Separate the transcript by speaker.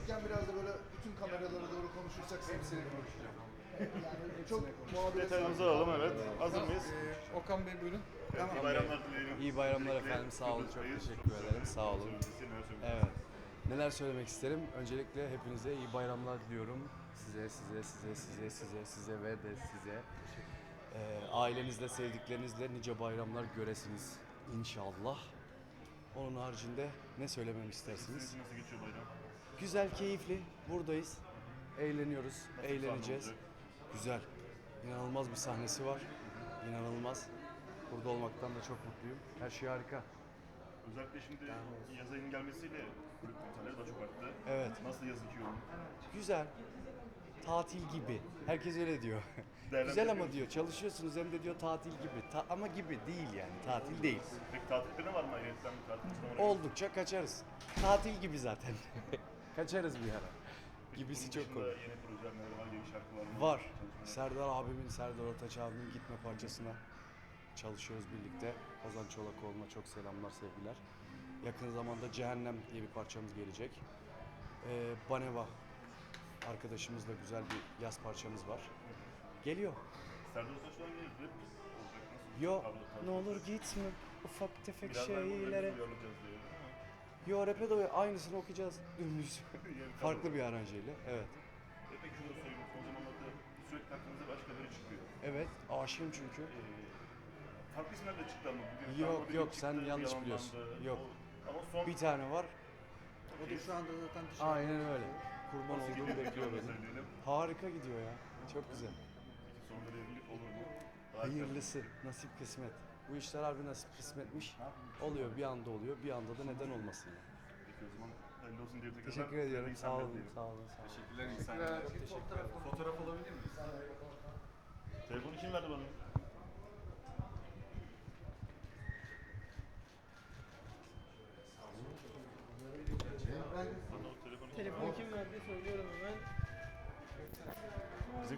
Speaker 1: konuşurken biraz da böyle bütün kameralara doğru konuşursak seni konuşacağım. Yani çok muhabbet
Speaker 2: Detaylarımızı alalım, evet. Hazır mıyız?
Speaker 3: Okan Bey buyurun.
Speaker 2: İyi bayramlar dileyelim.
Speaker 4: İyi bayramlar
Speaker 2: Öncelikle
Speaker 4: efendim, sağ olun, çok
Speaker 2: Kıbrıs'tayız.
Speaker 4: teşekkür ederim, sağ olun.
Speaker 2: Neler söylemek
Speaker 4: Evet. Neler söylemek isterim? Öncelikle hepinize iyi bayramlar diliyorum. Size ve de size. Ailenizle, sevdiklerinizle nice bayramlar göresiniz inşallah. Onun haricinde ne söylememi istersiniz?
Speaker 2: Sizin nasıl geçiyor bayram?
Speaker 4: Güzel, keyifli. Buradayız. Eğleniyoruz, eğleneceğiz.
Speaker 2: olacak?
Speaker 4: Güzel. İnanılmaz bir sahnesi var. İnanılmaz. Burada olmaktan da çok mutluyum. Her şey harika.
Speaker 2: Özellikle şimdi yaz ayının gelmesiyle kulüp konserleri daha çok arttı.
Speaker 4: Evet.
Speaker 2: Nasıl yazık yoğun?
Speaker 4: Güzel. Tatil gibi. Herkes öyle diyor.
Speaker 2: Değerlendirmiyor
Speaker 4: Güzel ama
Speaker 2: musun?
Speaker 4: diyor. Çalışıyorsunuz hem de diyor tatil gibi. Ama gibi değil yani. Tatil değil.
Speaker 2: Peki tatilde ne var mı ayrıyetten bir tatil zamanı?
Speaker 4: Oldukça kaçarız. Tatil gibi zaten. Kaçarız bir ara. Gibisi
Speaker 2: Bunun
Speaker 4: çok
Speaker 2: dışında
Speaker 4: komik.
Speaker 2: yeni projeler neler var, yeni şarkılar mı?
Speaker 4: Var.
Speaker 2: Çalışmalar.
Speaker 4: Serdar Ortaç abimin Gitme parçasına çalışıyoruz birlikte. Ozan Çolakoğlu'na çok selamlar, sevgiler. Yakın zamanda Cehennem diye bir parçamız gelecek. Baneva arkadaşımızla güzel bir yaz parçamız var. Geliyor.
Speaker 2: Serdar Ortaç'tan gelir, rap olacak. Nasıl?
Speaker 4: Yo,
Speaker 2: Tarzı-
Speaker 4: ne olur gitme ufak tefek
Speaker 2: Biraz daha
Speaker 4: şeylere.
Speaker 2: böyle uyarlayacağız diye.
Speaker 4: Yo, rap'e de aynısını okuyacağız dümdüz.
Speaker 2: Yani
Speaker 4: Farklı bir aranjeyle, evet.
Speaker 2: Peki şunu da sorayım, son zamanlarda sürekli aklınıza başka biri çıkıyor.
Speaker 4: Evet, aşığım çünkü.
Speaker 2: Farklı isimler de çıktı ama bugün
Speaker 4: Yok,
Speaker 2: Sarma biri
Speaker 4: yok,
Speaker 2: çıktı,
Speaker 4: sen yanlış
Speaker 2: yalanlandı.
Speaker 4: biliyorsun. Yok.
Speaker 2: Ama son
Speaker 4: Bir tane var,
Speaker 3: O da şu anda zaten dışarıda.
Speaker 4: aynen öyle. Kurban
Speaker 2: nasıl
Speaker 4: olduğum
Speaker 2: gidiyor
Speaker 4: bekliyor
Speaker 2: onu
Speaker 4: beni.
Speaker 2: söyleyelim.
Speaker 4: Harika gidiyor ya, çok güzel.
Speaker 2: Peki sonunda da evlilik olur mu?
Speaker 4: Hayırlısı, nasip kısmet. Bu işler harbi nasip kısmetmiş. Oluyor, bir anda oluyor, bir anda da neden olmasın ya.
Speaker 2: Peki o zaman hayırlı olsun diye tekrar.
Speaker 4: Teşekkür ediyorum, sağ olun, sağ olun. Sağ olun.
Speaker 3: Teşekkürler insanlar. Fotoğraf alabilir miyiz?
Speaker 2: Telefonu kim verdi bana? Bana o telefonu
Speaker 5: Telefonu kim verdi söylüyorum hemen.
Speaker 2: bizim